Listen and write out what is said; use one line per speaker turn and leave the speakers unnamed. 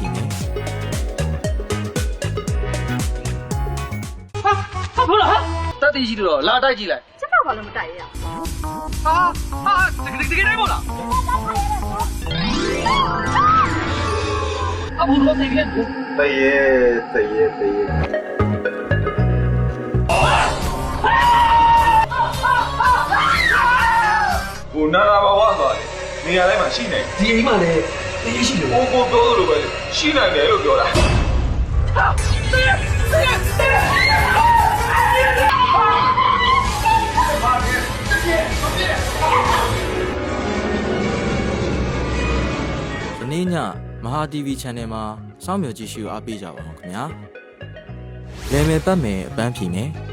ဖြေမယ်
ဟာဟုတ်လားဟာတက်တီးရှိတော့လာတိုက်ကြည့်လိုက်
ကျမဘာလို့မတိုက်ရအောင်
ဟာတကယ်တိုင်းမို့လားအဘူလို့နေပြန်
တရေကိုနာနာဘာဝသွားတယ်နေရာတိုင်းမှာရှိနေ
ဒီအိမ်မှာလည်းအေးရှိတယ်
ကိုပြောသလိုပဲရှိနိုင်တယ်လို့ပြောတာ
ဒီနေ့ညမဟာ TV Channel မှာစောင့်မျှော်ကြည့်ရှုအားပေးကြပါအောင်ခင်ဗျာလဲမယ်ပတ်မယ်အပန်းဖြေမယ်